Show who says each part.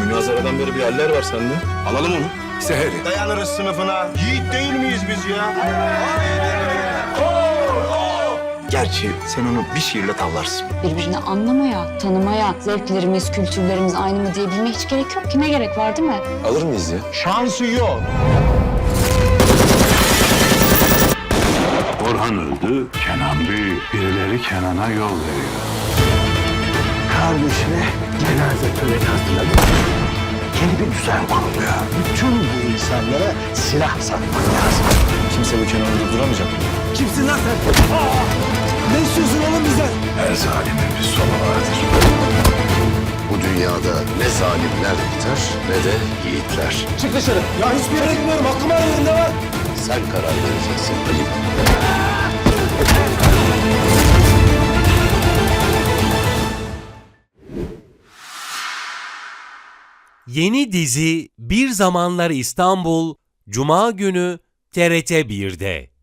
Speaker 1: Münazaradan beri bir haller var sende. Alalım onu.
Speaker 2: Seheri.
Speaker 3: Dayanırız sınıfına. Yiğit değil miyiz biz ya?
Speaker 2: Gerçi sen onu bir şiirle tavlarsın.
Speaker 4: Birbirini anlamaya, tanımaya, zevklerimiz, kültürlerimiz aynı mı diyebilmeye hiç gerek yok ki. Ne gerek var değil mi?
Speaker 1: Alır mıyız ya?
Speaker 3: Şansı yok.
Speaker 5: Orhan öldü, Kenan büyük. Birileri Kenan'a yol veriyor.
Speaker 2: Kardeşine cenaze töreni hazırladık. Yeni bir düzen kuruluyor. Bütün bu insanlara silah satmak lazım.
Speaker 1: Kimse bu Kenan'ı durduramayacak.
Speaker 2: Kimsin lan sen? Ne istiyorsun oğlum bizden?
Speaker 5: Her zalimin bir sonu vardır.
Speaker 6: Bu dünyada ne zalimler biter ne de yiğitler.
Speaker 3: Çık dışarı. Ya hiçbir yere gitmiyorum. Hakkımı arıyorum. Ne var?
Speaker 6: Sen karar vereceksin Ali.
Speaker 7: Yeni dizi Bir Zamanlar İstanbul, Cuma günü TRT 1'de.